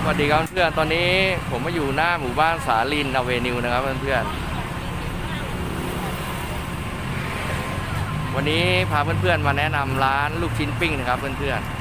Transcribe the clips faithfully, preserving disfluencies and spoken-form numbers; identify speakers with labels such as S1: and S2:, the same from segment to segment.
S1: วัสดีครับเพื่อนตอนนี้ผมมาอยู่หน้าหมู่บ้านสาลินอเวนิวนะครับเพื่อนๆวันนี้พาเพื่อนๆมาแนะนำร้านลูกชิ้นปิ้งนะครับเพื่อน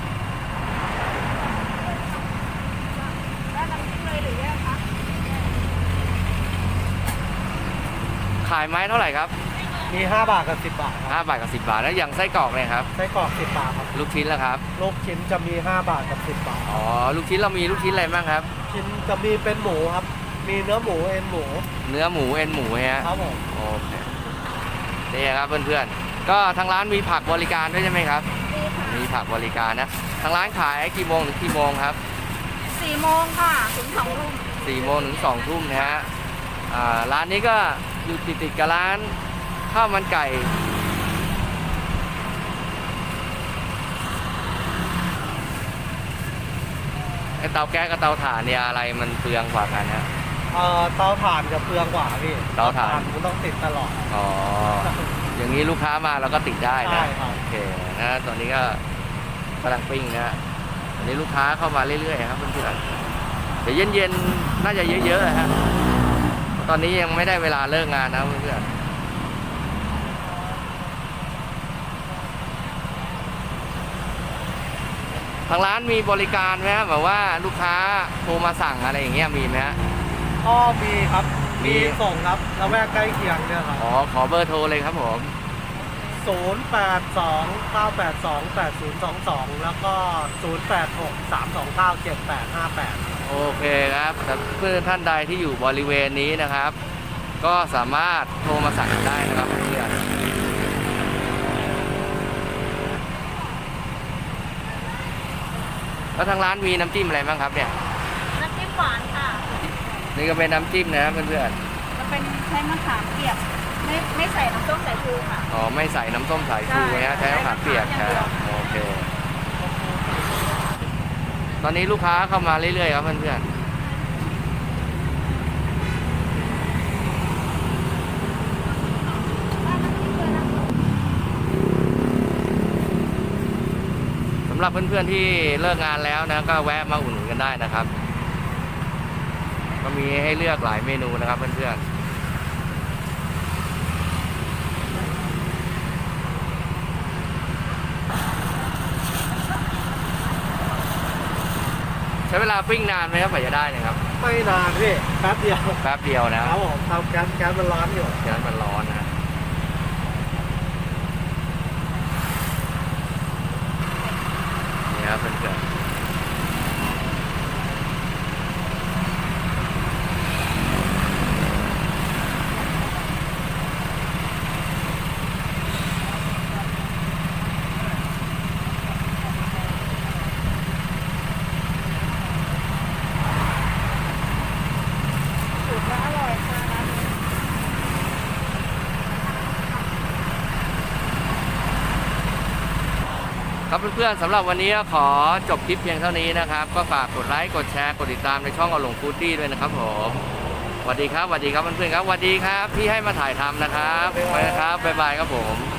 S1: ๆขายไม้เท่าไหร่ครับ
S2: มีห้าบาทกับสิบบาทครับ
S1: ห้าบาทกับสิบบาทแล้วอย่างไส้กรอกเนี่ยครับ
S2: ไส้กรอกสิบบาทครับ
S1: ลูกชิ้นแล้วครับ
S2: ลูกชิ้นจะมีห้าบาทกับสิบบาท
S1: อ๋อลูกชิ้นเรามีลูกชิ้นอะไรบ้างครับ
S2: ชิ้นจะมีเป็นหมูครับมีเนื้อหมูเอ็นหมู
S1: เนื้อหมูเอ็นหมูฮะ
S2: ครับผม
S1: โอเคนี่ครับเพื่อนๆก็ทางร้านมีผักบริการด้วยใช่ไหมครับมีผักบริการนะทางร้านขายกี่โมงถึงกี่โมงครับ
S3: สี่โมงค่ะถึงสองทุ่ม
S1: สี่โมงถึงสองทุ่มนะฮะร้านนี้ก็อยู่ติดติดกับร้านข้าวมันไก่ไอเตาแก๊สกับเตาถ่านเนี่ยอะไรมันเปลืองกว่ากันฮะ
S2: เอ่อเตาถ่านจะเปลืองกว่าพี่
S1: เตาถ่าน
S2: มันต้องติดตลอด
S1: อ๋ออย่างนี้ลูกค้ามาเราก็ติดได้นะโอเคนะตอนนี้ก็กำลังปิ้งนะอันนี้ลูกค้าเข้ามาเรื่อยๆครับเพื่อนๆเดี๋ยวเย็นๆน่าจะเยอะๆฮะตอนนี้ยังไม่ได้เวลาเลิกงานนะเพื่อนๆทางร้านมีบริการไหมครับแบบว่าลูกค้าโทรมาสั่งอะไรอย่างเงี้ยมีไหมฮะ
S2: ก็มีครับมีส่งครับแล้วแวกใกล้เคียงเนี่ยครับ
S1: อ๋อขอเบอร์โทรเลยครับผม
S2: ศูนย์ แปด สอง เก้า แปด สอง แปด ศูนย์ สอง สองแล้วก็ศูนย์ แปด หก สาม สอง เก้า เจ็ด แปด ห้า แปด
S1: โอเคครับแต่เพื่อนท่านใดที่อยู่บริเวณนี้นะครับก็สามารถโทรมาสั่งได้นะครับเพื่อนแล้วทางร้านมีน้ำจิ้มอะไรบ้างครับเนี่ย
S3: น้ำจิ้มหวานค่ะ
S1: นี่ก็เป็นน้ำจิ้มนะเพื่อน
S3: ๆจะเป็นใช้มะขามเปียกไม่ไม่ใส่น้ำส้มสายชูค่ะ
S1: อ๋อไม่ใส่น้ำส้มสายชูนะใช้มะขามเปียกครับโอเคตอนนี้ลูกค้าเข้ามาเรื่อยๆครับเพื่อนๆสำหรับเพื่อนๆที่เลิกงานแล้วนะก็แวะมาอุ่นกันได้นะครับก็มีให้เลือกหลายเมนูนะครับเพื่อนๆใช้เวลาปิ้งนานไหมครับกว่าจะได้นะครับ
S2: ไม่นานพี่แป๊บเดียว
S1: แป๊บเดียวนะครับ
S2: ผมทำแก๊สแก๊สมันร้อนอยู่
S1: แก๊สมันร้อนนะนี่ครับเพื่อนๆครับเพื่อนๆสำหรับวันนี้ขอจบคลิปเพียงเท่านี้นะครับก็ฝากกดไลค์กดแชร์กดติดตามในช่องอลงฟูดดี้ด้วยนะครับผมสวัสดีครับสวัสดีครับเพื่อนๆครับสวัสดีครับที่ให้มาถ่ายทำนะครับไปนะครับบ๊ายบายครับผม